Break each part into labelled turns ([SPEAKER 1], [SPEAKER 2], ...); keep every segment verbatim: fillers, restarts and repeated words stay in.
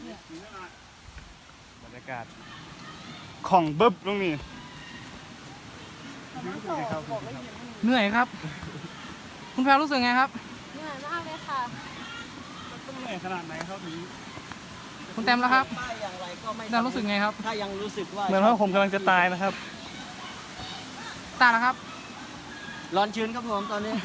[SPEAKER 1] บรรยากาศของเบิ้บตรงนี้
[SPEAKER 2] เหนื่อยครับคุณแพรรู้สึกไงครับ
[SPEAKER 3] เหนื่อยมากเลยค่ะ
[SPEAKER 1] ต้องเหนื่อยขนาดไหนครับถึง
[SPEAKER 2] คุณแต้มแล้วครับ
[SPEAKER 4] อย่างไรก็ไม่
[SPEAKER 2] แต้มรู้สึกไงครับ
[SPEAKER 4] ถ้ายังรู้สึกว่า
[SPEAKER 1] เหมือนว่าผมกำลังจะตายนะครับ
[SPEAKER 2] ตาแล้วครับ
[SPEAKER 4] ร้อนชื้นครับผมตอนนี้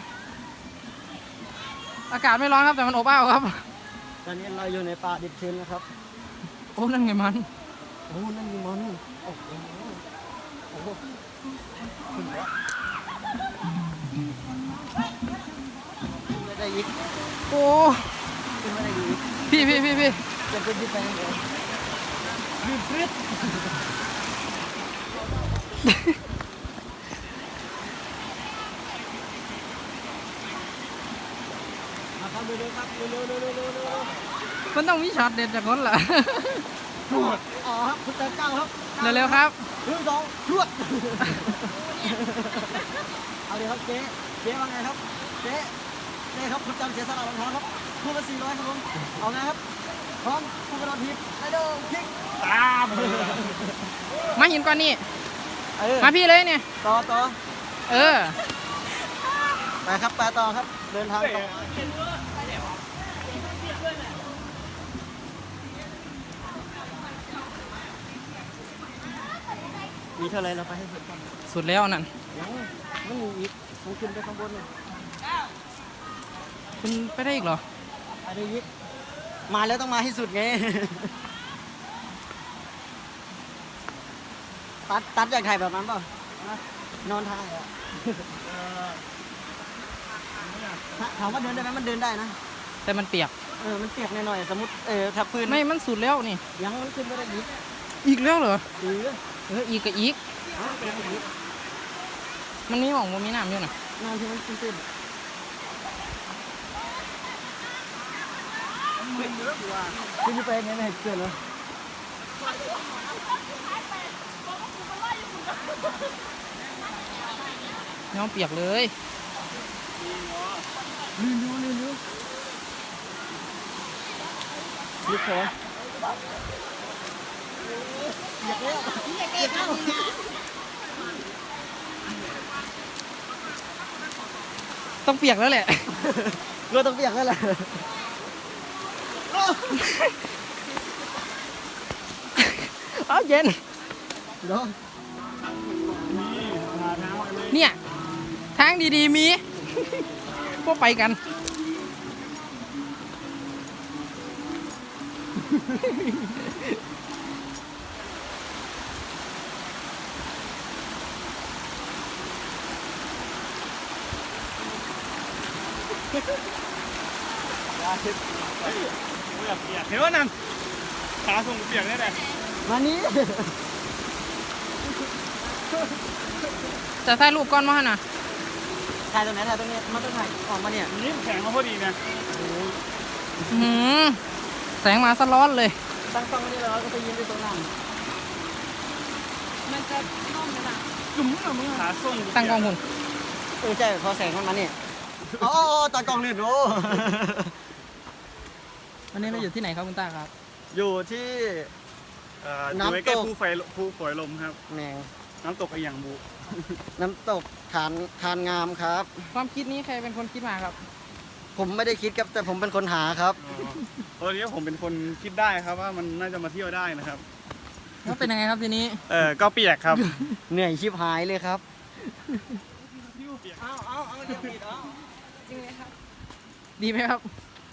[SPEAKER 2] อากาศไม่ร้อนครับแต่มันอบอ้าวครับ
[SPEAKER 4] ตอนนี้เราอยู่ในป่าดิบชื้นนะครับ
[SPEAKER 2] โอ้นั่นไงมัน
[SPEAKER 4] โอ้นั่นมีมันโอ้โหโอ้โหขึ้นแล้วขึ้นไม่ได้ยิก
[SPEAKER 2] โอ้
[SPEAKER 4] ขึ้นไม่ได้ยิก
[SPEAKER 2] พี่พี่พี่พี่
[SPEAKER 4] จะเป็นที่แปลงเลยยืดฟึดมาครับเร็วๆครับเร็วๆเร็วๆเร็วๆเร็วๆ
[SPEAKER 2] มันต้องมีช็อตเด็ดจากคนล่ะ
[SPEAKER 4] รวดอ๋อครับคุณเติมเก้าครับ
[SPEAKER 2] เร็วๆครับ
[SPEAKER 4] หนึ่งสองรวดเอาเลยครับเจ๊เจ๊ว่าไงครับเจ๊เจ๊ครับคุณจำเสียสละรองเท้าครับคู่ละสี่ร้อยครับผมเอาไงครับพร้อมคู่กระโดดทีบไอ้โดงคิก
[SPEAKER 1] ตาม
[SPEAKER 2] มาหินก่อนนี่มาพี่เลยเนี่ย
[SPEAKER 4] ต่อต่อ
[SPEAKER 2] เออ
[SPEAKER 4] ไปครับไปต่อครับเดินทางต่อมีเท่าไรเราไปให้สุดก่อน
[SPEAKER 2] สุดแล้วนั่น
[SPEAKER 4] ยังมันมีอีกมันขึ้นไปข้างบนเลย
[SPEAKER 2] คุณไปได้อีกเหรอ
[SPEAKER 4] ไปได้อีกมาแล้วต้องมาให้สุดไงตัดตัดอยากถ่ายแบบนั้นเปล่านอนถ่ายอ่ะถามว่าเดินได้ไหมมันเดินได้นะ
[SPEAKER 2] แต่มันเปียก
[SPEAKER 4] เออมันเปียกหน่อยๆสมมติเออถ้าพื้น
[SPEAKER 2] ไม่มันสุดแล้วนี่
[SPEAKER 4] ยังมันขึ้นไม่ได้อีก
[SPEAKER 2] อีกแล้วเหรอ
[SPEAKER 4] เออ
[SPEAKER 2] เอออีกกับอีกมันมีหม่องมันมีน้ำอยู่น่ะ
[SPEAKER 4] น้ำที่มันตื้นคุณจะไปไงเนี่ยเกินเหรอ
[SPEAKER 2] น้องเปียกเลย
[SPEAKER 4] ลื่นดูลื่นดูลึกเหรออยากเล่นอยากเล่น
[SPEAKER 2] ต้องเปียกแล้วแหละ
[SPEAKER 4] เราต้องเปียกแล้วแหละ
[SPEAKER 2] อ้าวเย็น
[SPEAKER 4] เดี๋ยว
[SPEAKER 2] เนี่ยทางดีๆมีพวกไปกัน
[SPEAKER 1] เห็นว่านั่นขาส่งเปียกได้เลย
[SPEAKER 4] มานี้
[SPEAKER 2] จะถ่ายรูปก่อนมาหน่ะ
[SPEAKER 4] ถ่ายตรงไหนถ่ายตรงนี้มาตรงไหนออกมาเนี่ย
[SPEAKER 1] นี่แข็งมาพอดีนะ
[SPEAKER 2] หืมแสงมาสะร้อนเลย
[SPEAKER 4] ตั้งกล้องนี่แล้วก็ไปยืนที่ตรงนั้น
[SPEAKER 3] มันจะน่องไหมล่ะ
[SPEAKER 1] จุ่มอะมึงขาส่ง
[SPEAKER 2] ตั้งกล้องหุ่น
[SPEAKER 4] เออใช่พอแสงมันมาเนี่ยอ๋อตอนกล้องลื่นโอ้
[SPEAKER 2] วันนี้เราอยู่ที่ไหนครับคุณตาครับ
[SPEAKER 1] อยู่ที่น้ำตกภูไฟภูฝอยลมครับ
[SPEAKER 4] แมง
[SPEAKER 1] น้ำตกไอหยังบุ
[SPEAKER 4] น้ำตกทานทานงามครับ
[SPEAKER 2] ความคิดนี้ใครเป็นคนคิดมาครับ
[SPEAKER 4] ผมไม่ได้คิดครับแต่ผมเป็นคนหาครับ
[SPEAKER 1] ตอนนี้ผมเป็นคนคิดได้ครับว่ามันน่าจะมาเที่ยวได้นะครับ
[SPEAKER 2] แล้วเป็นยังไงครับทีนี้
[SPEAKER 1] เออก็เปียกครับ
[SPEAKER 4] เหนื่อยชิบหายเลยครับ
[SPEAKER 1] เอาเอาเอาเดี๋ยวปิดเอา
[SPEAKER 2] จริงไหมครับดีไหมครับ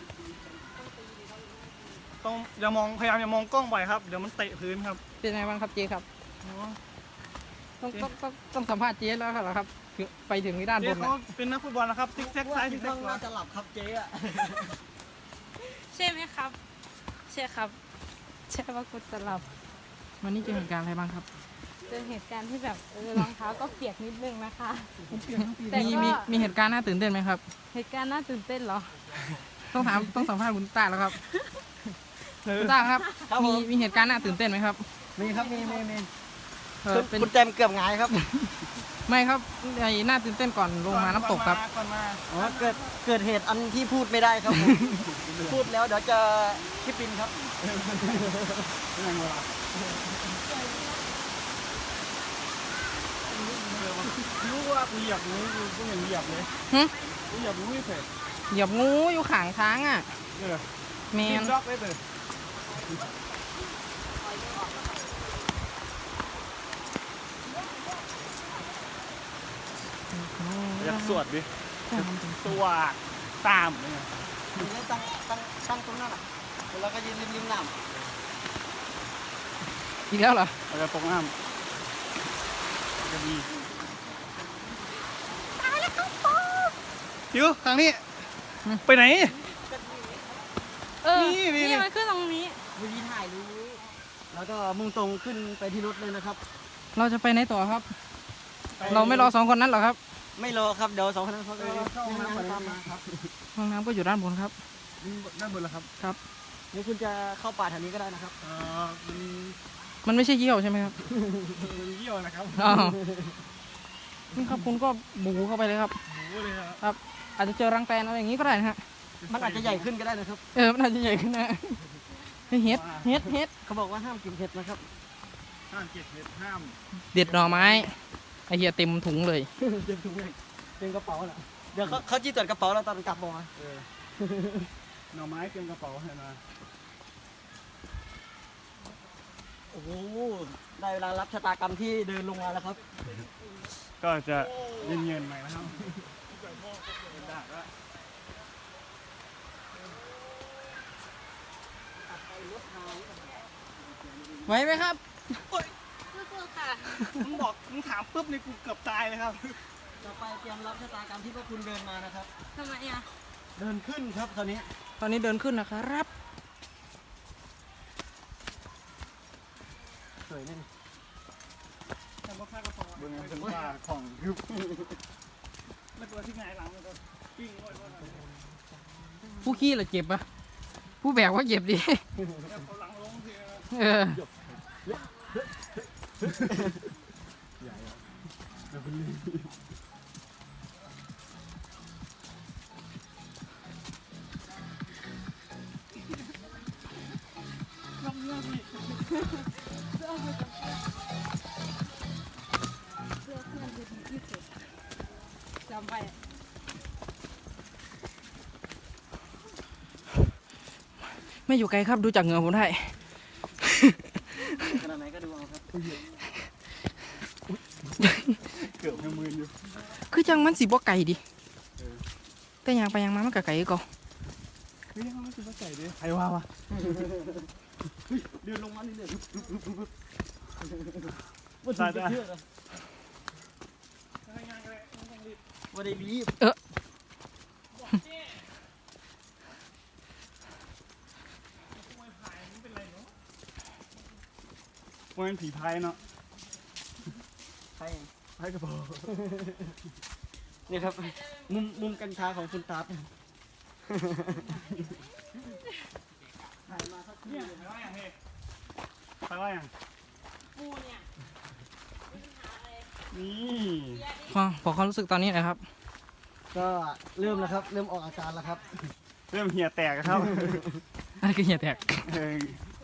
[SPEAKER 1] ต้องอย่ามองพยายามอย่ามองกล้องบ่อยครับเดี๋ยวมันเตะพื้นครับ
[SPEAKER 2] เป็นไงบ้างครับเจ๊ครับต้องต้องต้องต้องสัมภาษณ์เจ๊แล้วครับไปถึงที่ด้านบน
[SPEAKER 1] เขาเป็นนักฟุตบอลนะครับซิกแซกซ้ายซิกแซกขวา
[SPEAKER 4] จะหลับครับเจ๊อะ
[SPEAKER 3] ใช่ไหมครับใช่ครับใช่ว่ากูจะหลับ
[SPEAKER 2] วันนี้เจอเหตุการณ์อะไรบ้างครับ
[SPEAKER 3] เจอเหตุการณ์ที่แบบเออรองเท้าก็เปียกนิดนึงนะคะ
[SPEAKER 2] มีมีมีเหตุการณ์น่าตื่นเต้นไหมครับ
[SPEAKER 3] เหตุการณ์น่าตื่นเต้นเหรอ
[SPEAKER 2] ต้องถามต้องสัมภาษณ์คุณตาแล้วครับคุณตาครับมีมีเหตุการณ์น่าตื่นเต้นไหมครับ
[SPEAKER 4] มีครับมีมีมี
[SPEAKER 2] เป็น
[SPEAKER 4] คุณแจมเกือบหงายครับ
[SPEAKER 2] ไม่ครับไอ้น่าตื่นเต้นก่อนลงมาน้ำตกครับ
[SPEAKER 1] ก่อนมา
[SPEAKER 4] อ๋อเกิดเกิดเหตุอันที่พูดไม่ได้ครับผม พูดแล้วเดี๋ยวจะคิดปินครับ
[SPEAKER 1] ยังไงวะรู้ว่ากูเหยียบงูกูกูยังเหยียบเลย
[SPEAKER 2] หึ
[SPEAKER 1] กูเหยียบงูไม่เสร็จ
[SPEAKER 2] เหยียบงูอยู่ข้างทางอ่ะ
[SPEAKER 1] เออ
[SPEAKER 2] แม
[SPEAKER 1] กิ
[SPEAKER 2] น
[SPEAKER 1] นดอกได้เลยอยากสวดดิสวดตามเนี่ย
[SPEAKER 4] ทีนี้ตั้งตั้งตั้งตรงนั้นอ่ะแล้วก็ยืนริมริมน้
[SPEAKER 2] อีกแล้วเหรอ
[SPEAKER 1] เราจะตกน้ำจะดีจิ๋วทางนี้ ไปไหน
[SPEAKER 3] เออ
[SPEAKER 1] นี่นี่
[SPEAKER 3] นี่มันขึ้นตรงนี้
[SPEAKER 4] ำวิธีถ่ายรู้แล้วก็มุ่งตรงขึ้นไปที่รถเลยนะครับ
[SPEAKER 2] เราจะไปไหนต่อครับ เราไม่รอสองคนนั้นหรอครับ
[SPEAKER 4] ไม่รอครับเดี๋ยวสองคนนั้นเขา
[SPEAKER 1] ไป
[SPEAKER 4] จะ
[SPEAKER 1] เข้าห้องน้ำไป
[SPEAKER 4] ตาม
[SPEAKER 1] มา
[SPEAKER 4] มา
[SPEAKER 1] ครับ
[SPEAKER 2] ห้องน้ำก็อยู่ด้านบนครับ
[SPEAKER 1] ด้านบนแล้วครับ
[SPEAKER 2] ครับ
[SPEAKER 4] หรือคุณจะเข้าป่าแถวนี้ก็ได้นะครับ
[SPEAKER 1] เอ่อมัน
[SPEAKER 2] มันไม่ใช่เยี่ยวใช่ไหมครับ
[SPEAKER 1] มันเยี่ยวนะครับ
[SPEAKER 2] อ้าวนี่ครับคุณก็บูเข้าไปเลยครับ
[SPEAKER 1] โอ้โหเลยครับ
[SPEAKER 2] ครับ อาจจะเจอรังแตนอะไรอย่างนี้ก็ได้นะฮะ
[SPEAKER 4] มันอาจจะใหญ่ขึ้นก็ได้นะครับ
[SPEAKER 2] เออ มันอาจจะใหญ่ขึ้นนะเฮ้ยเฮ็ดเฮ็ดเฮ็ด
[SPEAKER 4] เขาบอกว่าห้ามกินเห็ดนะครับ
[SPEAKER 1] ห้ามเก็บเห็ดห้าม
[SPEAKER 2] เด็ดหน่อไม้ไอเหี้ยเต็มถุงเลย
[SPEAKER 4] เต็มถุงเลยเต็มกระเป๋าแหละเดี๋ยวเขาเขาจี้ตรวจกระเป๋าเราตอนกลับบอกมา
[SPEAKER 1] เออหน่อไม้เตรียมกระเป๋าให้มา
[SPEAKER 4] โอ้โหได้เวลารับชะตากรรมที่เดินลงมาแล้วครับ
[SPEAKER 1] ก็จะเย็นๆหน่อยนะครับ
[SPEAKER 2] ไหวไหมครับ
[SPEAKER 3] สู้ๆค่ะ
[SPEAKER 1] มึงบอกมึงถามปุ๊บนี่กูเกือบตายเลยครับ
[SPEAKER 4] ต่อไปเตรียมรับชะตากรรมที่พวกคุณเดินมานะครับ
[SPEAKER 3] ทำไมอ่ะ
[SPEAKER 4] เดินขึ้นครับตอนนี้
[SPEAKER 2] ตอนนี้เดินขึ้นนะครับ
[SPEAKER 4] สวยนี่
[SPEAKER 1] บนนั้นเป็นว่าของคือแล้วตัวที่ไงหลังมันก็ปิ้งไว้ก่อนนะ
[SPEAKER 2] ผู้ขี้เหรอเจ็บปะผู้แบกว่าเจ็บดิ
[SPEAKER 1] แล้วเขาหลังลงทีนะ
[SPEAKER 2] เออ
[SPEAKER 3] จำไป
[SPEAKER 2] ไม่อยู่ไกลครับดูจากเหงื่อผมได้
[SPEAKER 4] ขนาดไหนก็ดูเอาครับ
[SPEAKER 1] เกือบให้มืออยู่
[SPEAKER 2] คือจังมันสีบ่ไก่ดิ
[SPEAKER 1] เออ
[SPEAKER 2] แต่ยางไปยางมามันก็ไก่ก็
[SPEAKER 1] เฮ้ยยังไม่ซื้อมาใส่ดิใครว่าวะ
[SPEAKER 4] เดินลงมานี่เรื่อย
[SPEAKER 1] ใช่จ้ะ
[SPEAKER 4] เชื่อเลยว่าได้รีบ
[SPEAKER 1] มันเป็นผีพายเนาะ
[SPEAKER 4] ใช่
[SPEAKER 1] พายกระเป๋า
[SPEAKER 4] นี่ครับ มุมมุมกัญชาของคุณตาบ
[SPEAKER 1] เนี่ยไปว่าอย่างเฮ้ไปว่าอย่าง
[SPEAKER 3] ปูเนี่ย
[SPEAKER 1] นี่
[SPEAKER 2] พอพอความรู้สึกตอนนี้นะครับ
[SPEAKER 4] ก็เริ่มแล้วครับ เริ่มออกอาการแล้วครับ
[SPEAKER 1] เริ่มเหี่ยแตกแล้วครับ
[SPEAKER 2] อะไรคือเหี่ยแตก
[SPEAKER 1] เออ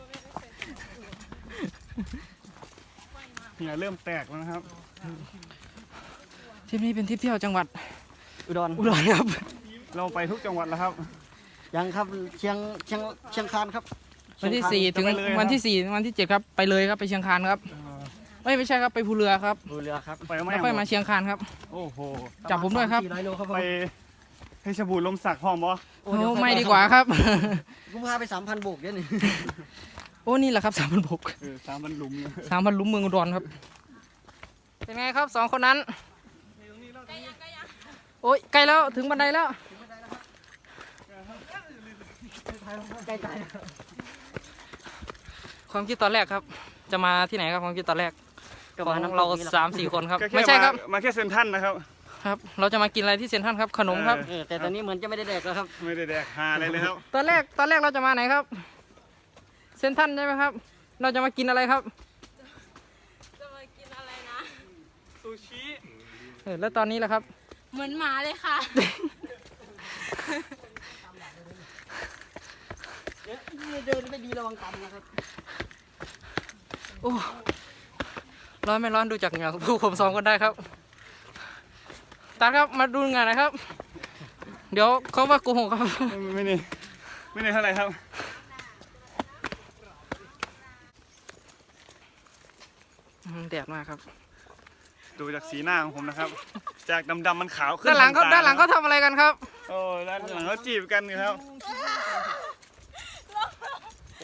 [SPEAKER 1] เหี่ยเริ่มแตกแล้วนะครับ
[SPEAKER 2] ทริปนี้เป็นทริปเที่ยวจังหวัด
[SPEAKER 4] อุดร
[SPEAKER 2] อุดรครับ
[SPEAKER 1] เราไปทุกจังหวัดแล้วครับ
[SPEAKER 4] ยังครับเชียงเชียงเชียงคานครับ
[SPEAKER 2] วันที่สี่ถึง
[SPEAKER 1] จะไปเลยครับ
[SPEAKER 2] วันที่สี่ถึงวันที่เจ็ดครับไปเลยครับไปเชียงคานครับ
[SPEAKER 1] เออ
[SPEAKER 2] ไม่ไม่ใช่ครับไปภูเรือครับ
[SPEAKER 4] ดูเรือครับ
[SPEAKER 1] ไปไม่
[SPEAKER 2] แล้วค่อยมาเชียงคานครับ
[SPEAKER 1] โอ้โห
[SPEAKER 2] จับผมด้วยครับ
[SPEAKER 4] สี่ร้อยโลครับผม
[SPEAKER 1] ไปเพชรบูรณ์ลมสักพร้อมบ่
[SPEAKER 4] โอ้
[SPEAKER 2] โอ้
[SPEAKER 4] เยวค่อย
[SPEAKER 2] ไม่ดีกว่าครับ
[SPEAKER 4] ผมพาไปสามพันโบกเดี๋ยวนี้
[SPEAKER 2] โอ้นี่แหละครับสามพันบก
[SPEAKER 1] เออสามพันหลุมเนี่ย
[SPEAKER 2] สามพันลุ้มเมืองอุดรครับ เป็นไงครับสองคนนั้น โอ้ยใกล้แล้วถึงบันไดแล้ว
[SPEAKER 4] ใกล้
[SPEAKER 2] ความคิดตอนแรกครับ จะมาที่ไหนครับความคิดตอนแรก
[SPEAKER 4] ๆก็
[SPEAKER 2] ของ
[SPEAKER 4] น้ำต
[SPEAKER 2] เรา
[SPEAKER 4] กนี่แหละ
[SPEAKER 2] สามสี่คนครับ
[SPEAKER 1] ก็แ
[SPEAKER 2] ไม่ใช่ครับ
[SPEAKER 1] ามาแค่เซนทรันนะครับ
[SPEAKER 2] ครับ เราจะมากินอะไรที่เซ็นทรัลครับขนมครับ
[SPEAKER 4] เออแต่ตอนนี้เหมือนจะไม่ได้แดกแล้วครับ
[SPEAKER 1] ไม่ได้แดกหาอะไรเลยครับ
[SPEAKER 2] ตอนแรกตอนแรกเราจะมาไหนครับ เซ็นทรัลใช่ไหมครับ เราจะมากินอะไรครับ
[SPEAKER 3] จะมากินอะไรนะ
[SPEAKER 1] ซูชิ
[SPEAKER 2] ฮอแล้วตอนนี้ล่ะครับ
[SPEAKER 3] เหมือนหมาเลยค่ะ
[SPEAKER 4] เดี๋ยวเดินไม่ดีระวังตันนะครับ
[SPEAKER 2] โอ้ร้อนไม่ร้อนดูจากเหงื่อผู้ผมซ้อมกันได้ครับตาครับมาดูงานนะครับ เดี๋ยวเขาว่าโกหกครับ
[SPEAKER 1] ไม่นี่ไม่นี่เท่าไหร่ครับ
[SPEAKER 2] อืมแดดมากครับ
[SPEAKER 1] ดูจากสีหน้าของผมนะครับ จากดำๆมันขาวขึ้น
[SPEAKER 2] ด้านหลังเขา
[SPEAKER 1] ทต
[SPEAKER 2] ด้านหลังเขาทำอะไรกันครับ
[SPEAKER 1] โอ้ด้านหลังเขาจีบกันอยู่ครับโอ้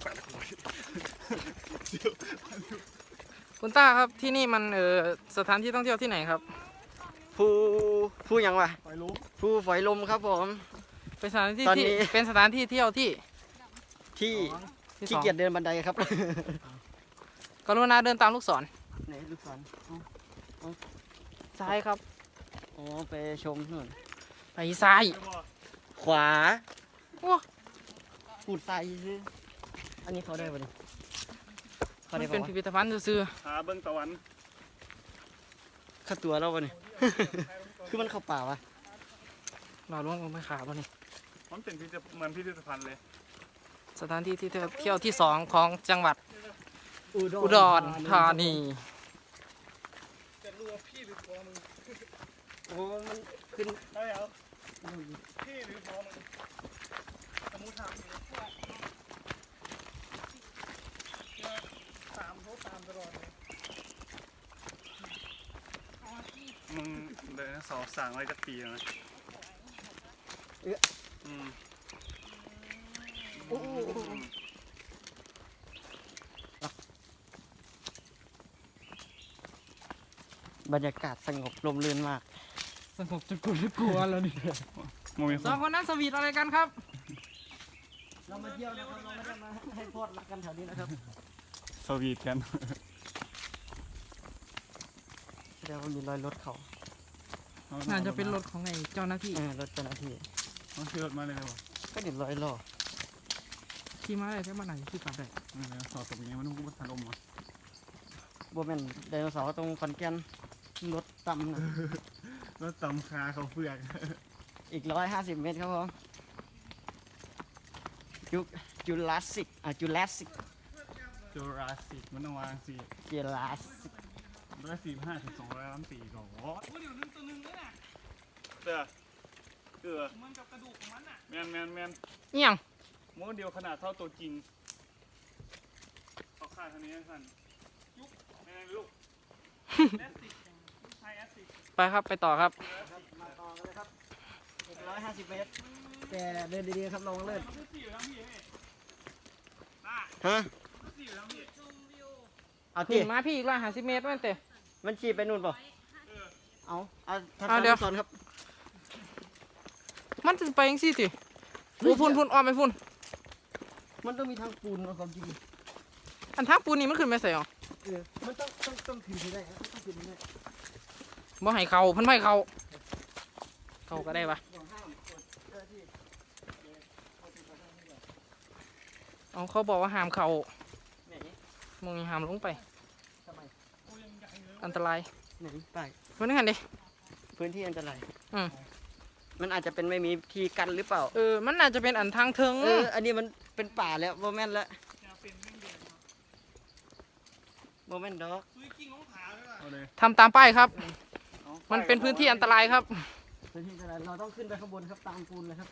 [SPEAKER 2] คุณต้าครับที่นี่มันเออสถานที่ท่องเที่ยวที่ไหนครับ
[SPEAKER 4] ผู้ผู้หยังวะ
[SPEAKER 1] ไปรู้
[SPEAKER 4] ผู้ฝอยลมครับผม
[SPEAKER 2] เป็นสถานที่
[SPEAKER 4] ตอน
[SPEAKER 2] ที่
[SPEAKER 4] นี้
[SPEAKER 2] เป็นสถานที่เที่ยวที่
[SPEAKER 4] ที่
[SPEAKER 2] ที่ส
[SPEAKER 4] ขี้
[SPEAKER 2] อง
[SPEAKER 4] เกียจเดินบันไดครับ
[SPEAKER 2] กรุณาเดินตามลูกศร
[SPEAKER 4] ไหนลูกศรอ๋อ
[SPEAKER 2] ซ้ายครับ
[SPEAKER 4] อ๋อไปชมนู่น
[SPEAKER 2] ไปซ้าย
[SPEAKER 4] ขวา
[SPEAKER 2] โอ้
[SPEAKER 4] ปูดใส่ซื้ออันนี้เขาได้ปะเนี่ยเขา
[SPEAKER 2] มัน
[SPEAKER 4] ได้
[SPEAKER 2] เป็
[SPEAKER 4] ปะ
[SPEAKER 2] น
[SPEAKER 4] วะ
[SPEAKER 2] พิพิธภัณฑ์ซื่อ
[SPEAKER 1] หาเบิ้งตะวัน
[SPEAKER 4] ค่าตัวเราปะเนี่ย คือมันเข้าป่าวะ
[SPEAKER 2] ๆเราล่วงลงไปขาบ่นี่
[SPEAKER 1] มันเป็นพิพิธเหมือนพิพิธภัณฑ์เลย
[SPEAKER 2] สถานที่ที่เที่ยวที่สองของจังหวัดอุดรธานี
[SPEAKER 1] จะรู้ว่าพี่หรือพ่อมึง
[SPEAKER 4] โอ้มันขึ้น
[SPEAKER 1] ได้เหรอพี่หรือพ่อมึงสมมุติถามอยู่ตามเขาตามตลอดเลยมึงเดินสองสั่งไว้จะปีแล้วนะอืม
[SPEAKER 4] โอ้โหบรรยากาศสงบลมลื่นมาก
[SPEAKER 2] สงบจนกลัวกลัวแล้วนี่
[SPEAKER 1] โมมีค
[SPEAKER 2] สอง
[SPEAKER 1] น
[SPEAKER 2] คนนั้นสวีทอะไรกันครับ
[SPEAKER 4] เรามาเที่ยวนะครับเราไม่ได้มาให้โทษรักกันแถวนี้นะครับ
[SPEAKER 1] สวีทกัน
[SPEAKER 4] เดี๋ยวมันมีรอยรถเขา
[SPEAKER 2] น่าจะเป็นรถของไอ้เจ้าหน้าที่
[SPEAKER 4] เออรถเจ้าหน้าที่
[SPEAKER 1] ต้องขี่รถมาเลยเลยวะ
[SPEAKER 4] ก็เดี๋ยวรอยล้อ
[SPEAKER 2] ขี่มาได้แค่มาไหนขี่กลับได้
[SPEAKER 1] เออสอบตรงนี้มันต้องกูมาทันลมอ่ะ
[SPEAKER 4] โบแมนไดโนเสาร์ตรงขอนแก่นรถต่ำนะ
[SPEAKER 1] รถตำคาเขาเฟือก
[SPEAKER 4] อีกร้อยห้าสิบเมตรครับผมจุจูราสสิกอ่ะจูราสสิก
[SPEAKER 1] จูราสสิกมันต้องวางสี่
[SPEAKER 4] จูราสสิก
[SPEAKER 1] ร้อยสี่ห้าถึงสองร้อยล้านปีก่อนโอ้เดี๋ยวนึงตัวนึงเลยน่ะเสือเกลือมันกับกระดูกของมันอ่ะแมนแมนแมน
[SPEAKER 2] เอี่ยง
[SPEAKER 1] โมเดียวขนาดเท่าตัวจริงเขาฆ่าทางนี้สั้นยุกแมนลูกแอสติกไฮแอสติก
[SPEAKER 2] ไปครับไปต่อครับ
[SPEAKER 4] มาต่อกันเลยครับอีกร้อยห้าสิบเมตรแต่เดินดีๆครับลงเลิศ
[SPEAKER 1] มันสี่อยู่ทั้งพี่เฮ้ยน่า
[SPEAKER 4] ฮะ
[SPEAKER 1] มันสี่อยู่ทั้งพี่
[SPEAKER 4] เอา
[SPEAKER 2] ขึ้
[SPEAKER 4] ที่
[SPEAKER 2] นมาพี่อีกร้อยห้าสิบเมตรมันเตะ
[SPEAKER 4] มันขี่ไปนู่นเปล่าเอาเอาทัศ
[SPEAKER 2] เอา
[SPEAKER 4] น
[SPEAKER 2] เดี๋ยว
[SPEAKER 4] สอนครับ
[SPEAKER 2] มันจะไปยังซี่ติโอ้พุ่นพุ่นอ้อมไปพุ่น
[SPEAKER 4] มันต้องมีทางปูนเอาความจริง
[SPEAKER 2] อันทักปูนนี่มันขึ้นไปใส่หรอ
[SPEAKER 4] เออมันต้องต้องต้องขึ้นให้ได้ครับต้องขึ้นให้ได้
[SPEAKER 2] บ่ให้เขาเพันไม่เขาเขาก็ได้ปะ
[SPEAKER 4] อย่างห้ามกดเจ้าหน้าที่
[SPEAKER 2] เอาเขาบอกว่าห้ามเขา
[SPEAKER 4] ไหน
[SPEAKER 2] มึงห้ามลงไป
[SPEAKER 4] ทำไม
[SPEAKER 2] อันตราย
[SPEAKER 4] ไหนไป
[SPEAKER 2] มันนั่นดิ
[SPEAKER 4] พื้นที่อันตราย
[SPEAKER 2] อืม
[SPEAKER 4] มันอาจจะเป็นไม่มีที่กันหรือเปล่า
[SPEAKER 2] เออมันน่าจะเป็นอันทางเทิง
[SPEAKER 4] เออ อันนี้มันเป็นป่าแล้วโมแมนแล้วโมแมนดอก
[SPEAKER 1] เอาเลย
[SPEAKER 2] ทำตามป้ายครับ
[SPEAKER 1] อา
[SPEAKER 2] มันเป็นพื้นที่อันตรายครับ
[SPEAKER 4] พื้นที่อันตรายเราต้องขึ้นไปข้างบนครับตามปูนเลยครับ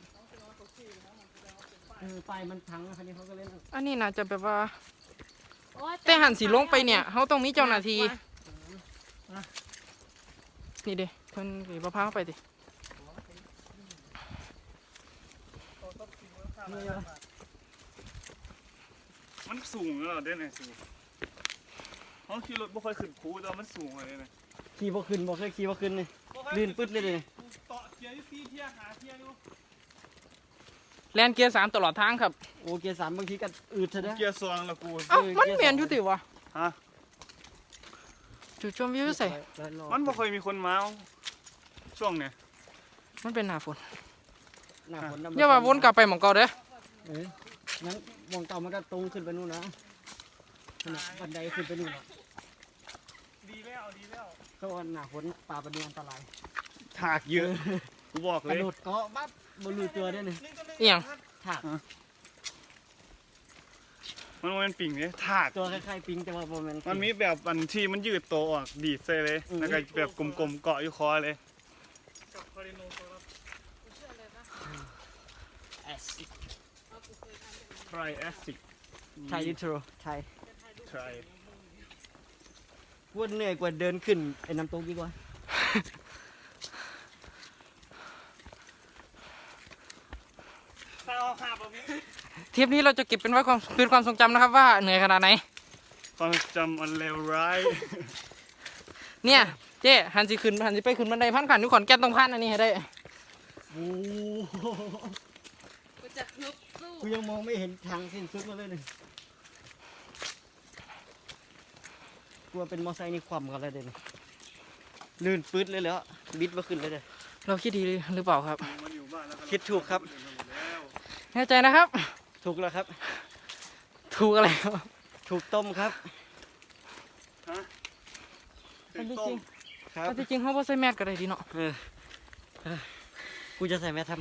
[SPEAKER 4] เออป้ายมันพังคันนี้เขาก็เล่น
[SPEAKER 2] อันนี้น่าจะแบบว่า
[SPEAKER 3] โอ๊ย
[SPEAKER 2] แต่หันสีลงไปเนี่ยเขาต้องมีเจ้าหน้าที่นี่เด้เพิ่นหรือมะพร้าวไปดิ
[SPEAKER 4] นี่วะ
[SPEAKER 1] มันสูงแล้วเหรอเด้เนี่ยสูงเขาขี่รถไม่ค่อยขึ้นคูแต่ว่ามันสูงเลยเนี่ย
[SPEAKER 4] ขี่บ่ขึ้นบ่เคยขี่บ่ขึ้นนี่ลื่นปึ๊ดเลยเลย
[SPEAKER 1] ต่อเทียร์ที่ซีเทียร์หาเทียร์อยู่
[SPEAKER 2] แลนเกียร์สามตลอดทางครับ
[SPEAKER 4] โอ้เกียร์สามบางทีก็อืดเถอะนะ
[SPEAKER 1] เกียร์ซองละกู
[SPEAKER 2] เอ้ามันเปลี่ยนอยู่ติวะ
[SPEAKER 1] ฮะ
[SPEAKER 2] จุดชมวิวใส่
[SPEAKER 1] มันไม่ค่อยมีคนมาช่วงเนี่ย
[SPEAKER 2] มันเป็นหน้าฝน
[SPEAKER 4] หน้าฝน
[SPEAKER 2] อย่าว่าวนกลับไปหมองเก่าเด้อ
[SPEAKER 4] เอ้ยงั้นมองเต่ามันก็ตรงขึ้นไปนู่นนะขนาดบันไดขึ้นไปนู่นนะ
[SPEAKER 1] ดีแล้วดีแล้ว
[SPEAKER 4] เขาว่าหน้าฝนป่าปะเนียอันตราย
[SPEAKER 1] ถากเยอะ กูบอก
[SPEAKER 4] ก
[SPEAKER 1] เล
[SPEAKER 4] ระ
[SPEAKER 1] ย
[SPEAKER 4] โดดเกาะปั๊บบ่รู้ตัวได้เลย
[SPEAKER 2] เอียง
[SPEAKER 4] ถาก
[SPEAKER 1] มันมันปิ่งเนี่ยถาก
[SPEAKER 4] ตัวคล้ายๆปิงแต่ว่าบ่แม่น
[SPEAKER 1] มันมีแบบอันที่มันยืดตัวออกดีดใส่เลย
[SPEAKER 4] อืม
[SPEAKER 1] แล้วก็แบบกลมๆเกาะอยู่คอเลย
[SPEAKER 4] แอซิด
[SPEAKER 1] ไทรแอซิด
[SPEAKER 4] ไทยลิทรไทย
[SPEAKER 1] ไทร
[SPEAKER 4] พูดเหนื่อยกว่าเดินขึ้นไอ้น้ำตกดีกว่า
[SPEAKER 1] ถ้าเอาหาบพี่
[SPEAKER 2] ทริปนี้เราจะเก็บเป็นไว้ความเป็นความทรงจำนะครับว่าเหนื่อยขนาดไหน
[SPEAKER 1] ความจำอันเลวร้าย
[SPEAKER 2] เนี่ยเจ๊หันสิขึ้นหันสิไปขึ้นบันไดพันขันทุกขอนแก่นต้องพันอันนี้ให้ได้
[SPEAKER 4] โอ้โห
[SPEAKER 3] กูจะลุกสู้
[SPEAKER 4] กูยังมองไม่เห็นทางสิ้นสุดมาเลยเนี่ยกลัวเป็นมอไซค์นี่คว่ำกันเลยเด่นลื่นปื๊ดเลยแล้วบิดมาขึ้นเลยเด้อ
[SPEAKER 2] เราคิดดีหรือเปล่าครับ
[SPEAKER 1] มันอยู่บ้านแล้วก็
[SPEAKER 4] คิดถูกครับ
[SPEAKER 2] แน่ใจนะครับ
[SPEAKER 4] ถูกแล้วครับ
[SPEAKER 2] ถูกอะไรครับ
[SPEAKER 4] ถูกต้มครับ
[SPEAKER 1] ฮะ
[SPEAKER 2] อันที่
[SPEAKER 1] ต้
[SPEAKER 2] จริ
[SPEAKER 1] ม
[SPEAKER 2] ง
[SPEAKER 4] ครับ
[SPEAKER 2] อันที่จริงเขาบ่ใส่แมสก็ได้ดีเนาะ
[SPEAKER 4] เออเออกูจะใส่แมสทำไม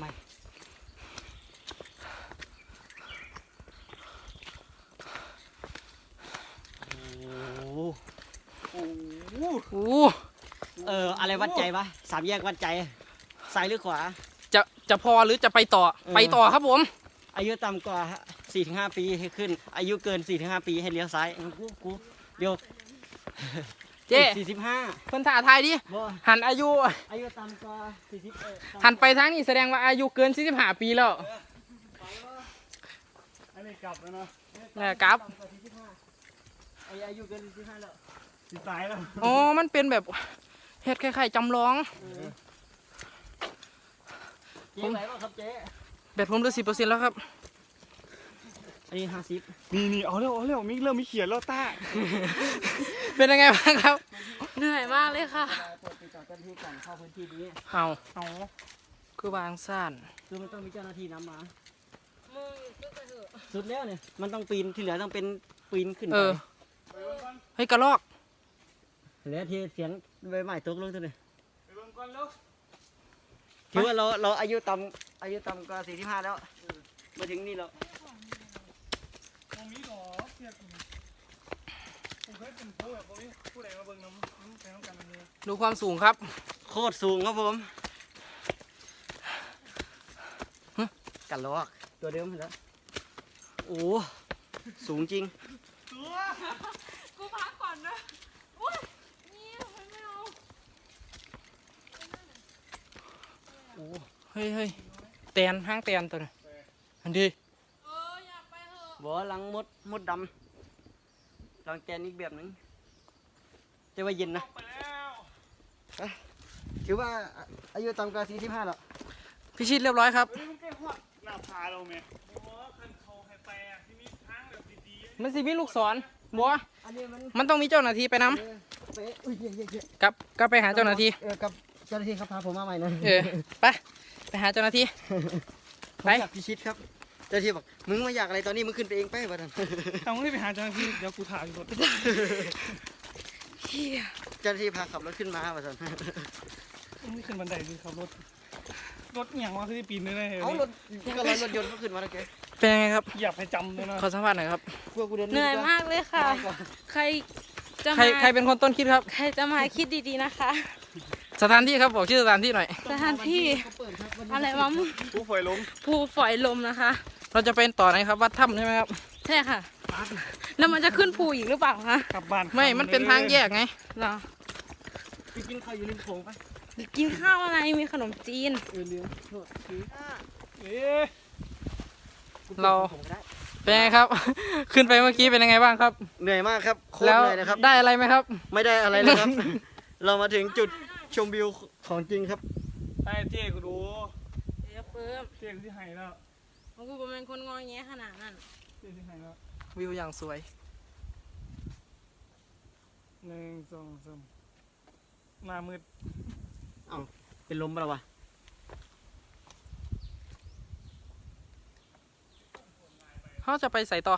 [SPEAKER 4] โอ้โห
[SPEAKER 1] โอ้โห
[SPEAKER 2] โอ้
[SPEAKER 4] เอออะไรวัดใจปะสามแยกวัดใจซ้ายหรือขวา
[SPEAKER 2] จะจะพอหรือจะไปต่อ
[SPEAKER 4] เออ
[SPEAKER 2] ไปต่อครับผม
[SPEAKER 4] อายุต่ำกว่าสี่ถึงห้าปีให้ขึ้น อายุเกินสี่ถึงห้าปีให้เลี้ยวซ้ายกูกูเดี๋ยว
[SPEAKER 2] เจ๊
[SPEAKER 4] สี่สิบห้า
[SPEAKER 2] เพิ่นถ่าทายดิ
[SPEAKER 4] บ่
[SPEAKER 2] หันอายุ
[SPEAKER 4] อายุต่ำกว่าสี่สิบเอ็ด
[SPEAKER 2] หันไปทางนี้แสดงว่าอายุเกินสี่สิบห้าปีแล้ว
[SPEAKER 1] อันนี้กลับแล้วเนาะ
[SPEAKER 2] เนี่ยครับ
[SPEAKER 4] ต่ำกว่าสี่สิบห้าไอ้อายุเกินสี่สิบห้าแล้ว
[SPEAKER 1] สิตายแล้ว
[SPEAKER 2] อ๋อมันเป็นแบบเฮ็ดคล้ายๆจำลอง
[SPEAKER 4] เจ๊ไหนบ้างครับเจ๊
[SPEAKER 2] แบตผมเหลือสิบเปอร์เซ็นต์แล้วครับ
[SPEAKER 4] อันนี้ห้าสิบ
[SPEAKER 1] นี่นี่เอาเร็วเอาเร็วมิกเริ่มมีเขียนแล้วต้า
[SPEAKER 2] เป็นยังไงบ้างครับ
[SPEAKER 3] เหนื่อยมากเลยค่ะ
[SPEAKER 4] เปิดไปจอดเจ้าหน้าที่ก่อนเข้าพื้นที่นี้
[SPEAKER 2] เอาเอาคือวางซ่าน
[SPEAKER 4] คือมันต้องมีเจ้าหน้าที่นำมา
[SPEAKER 3] มึงก็ไปเถอะ
[SPEAKER 4] สุดแล้วเนี่ยมันต้องปีนที่เหลือต้องเป็นปีนขึ้น
[SPEAKER 2] เอ
[SPEAKER 4] ไป
[SPEAKER 2] อเฮ้ยกระลอก
[SPEAKER 4] เหลือที่เสียงใบไม้ตกลงเท่านี้
[SPEAKER 1] ไปเบิ่งก่อนแล้ว
[SPEAKER 4] ถือว่าเราเราอายุต่ำอายุต่ำกว่าสี่สิบห้าแล้วมาถึงนี่แล้ว
[SPEAKER 1] ตรงนี้หรอเทียบกันผมเคยเป็นผู้แบบนี้ผู้ใดมาเบิ่งน้ำน้ำแข็งน้ำกันเลย
[SPEAKER 2] ดูความสูงครับ
[SPEAKER 4] โคตรสูงครับผมกันลอกตัวเดิมแล้วโอ้สูงจริง
[SPEAKER 1] ตัว
[SPEAKER 3] กูพักก่อนนะอุ้ยนี่ทำไมไม่เอา
[SPEAKER 4] โอ้
[SPEAKER 2] เฮ้ยเฮ้ยแตนห้างแตนตัวนี้อันดี
[SPEAKER 3] เอออยากไปเถอะ
[SPEAKER 4] บ่หลังมดมดดำหลังแกนอีกแบบหนึงจะว่าเย็นนะ
[SPEAKER 1] ไปแล้ว
[SPEAKER 4] ถือว่าอายุต่ำกว่าสี่สิบห้าแล้ว
[SPEAKER 2] พิชิตเรียบร้อยครับ
[SPEAKER 1] เฮ้ยมันใกล้หอดหน้าผาเราไหมโอ้คันเขาให้ไปอ่ะที่มีทางแบบดีๆ
[SPEAKER 2] มันสิมีลูกศรบัว
[SPEAKER 4] อันนี้มัน
[SPEAKER 2] มันต้องมีเจ้าหน้าที่ไปนำ
[SPEAKER 4] เออเป๊ะอุ้ยเย่เย่เย่
[SPEAKER 2] กลับกลับไปหาเจ้าหน้าที่
[SPEAKER 4] เออกับเจ้าหน้าที่ครับพาผมมาใหม่นะ
[SPEAKER 2] เออไปไปหาเจ้าหน้าที่
[SPEAKER 4] ผมอยากพิชิตครับเจ้าหน้าที่บอกมึงมาอยากอะไรตอนนี้มึงขึ้นไปเองไปวะท่าน
[SPEAKER 1] เอาไม่ไปหาเจ้าหน้าที่เดี๋ยวกูถ่ายรถ
[SPEAKER 4] เจ้าหน้าที่พาขับรถขึ้นมาวะท่าน
[SPEAKER 1] ไม่ขึ้นบันไดคือขับรถรถอย่างว่าคือปีนเลยนะ
[SPEAKER 4] เอารถก็รถรถยนต์ก็ขึ้นมาแล้วแก
[SPEAKER 2] เป็นยังไงครับ
[SPEAKER 1] เหยียบให้จำเลยนะ
[SPEAKER 2] ขอสัมภาษณ์หน่อยครับ
[SPEAKER 4] กลัวกูเดิน
[SPEAKER 3] เหนื่อยมากเลยค่ะ ใครจะ
[SPEAKER 2] ใคร
[SPEAKER 3] มา
[SPEAKER 2] ใครเป็นคนต้นคิดครับ
[SPEAKER 3] ใครจะมาคิดดีๆนะคะ
[SPEAKER 2] สถานที่ครับบอกชื่อสถานที่หน่อย
[SPEAKER 3] สถานที่ อะไรวะ
[SPEAKER 1] ผู้ป่วยล้ม
[SPEAKER 3] ภูฝอยลมนะคะ
[SPEAKER 2] เราจะเป็นต่อไหนครับวัดถ้ำใช่ไหมครับ
[SPEAKER 3] ใช่ค่ะ แล้วมันจะขึ้นภูอีกหรือเปล่าคะ
[SPEAKER 1] กลับบ้าน
[SPEAKER 2] ไม่ มันเป็นทางแยกไง
[SPEAKER 3] เหรอ
[SPEAKER 4] ไปกินข้าวอยู่ริมโขงไป
[SPEAKER 3] กินข้าวอะไรมีขนมจีน
[SPEAKER 4] เออเรือโทษที
[SPEAKER 1] เอ๊ะ
[SPEAKER 2] เรา
[SPEAKER 4] ผมก็ได้
[SPEAKER 2] เป็นไงครับ ขึ้นไปเมื่อกี้เป็นยังไงบ้างครับ
[SPEAKER 4] เหนื่อยมากครับโคตร
[SPEAKER 2] แล้ว
[SPEAKER 4] เหนื่อยนะครับ
[SPEAKER 2] ได้อะไรไหมครับ
[SPEAKER 4] ไม่ได้อะไรเลยครับ เรามาถึงจุดชมวิวของจริงครับ
[SPEAKER 1] ไอ้เจ๊กูดู
[SPEAKER 3] เดี๋ยวเพิ่ม
[SPEAKER 1] เจ๊กูที่ไหนแล้ว
[SPEAKER 3] ของกูก็เป็นคนงอแงขนาดนั้น
[SPEAKER 1] เจ๊ที่ไหนแล้ว
[SPEAKER 2] วิวอย่างสวย
[SPEAKER 1] หนึ่งสองสามหน้ามืด
[SPEAKER 4] เป็นลมปะล่ะวะ
[SPEAKER 2] เขาจะไปใส่ต่อ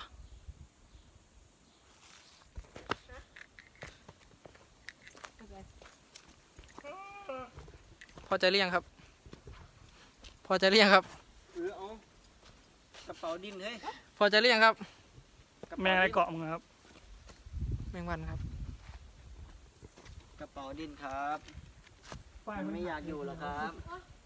[SPEAKER 2] พอใจหรือยังครับ พอใจหรือยังครับ
[SPEAKER 4] เออเอากระเป๋าดินเฮ้ย
[SPEAKER 2] พอใจหรือยังครับ
[SPEAKER 1] แม่อะไรเกาะมึงครับ
[SPEAKER 2] แมงวันครับ
[SPEAKER 4] กระเป๋าดินครับมันไม่อยากอยู่หรอกครับ
[SPEAKER 3] เ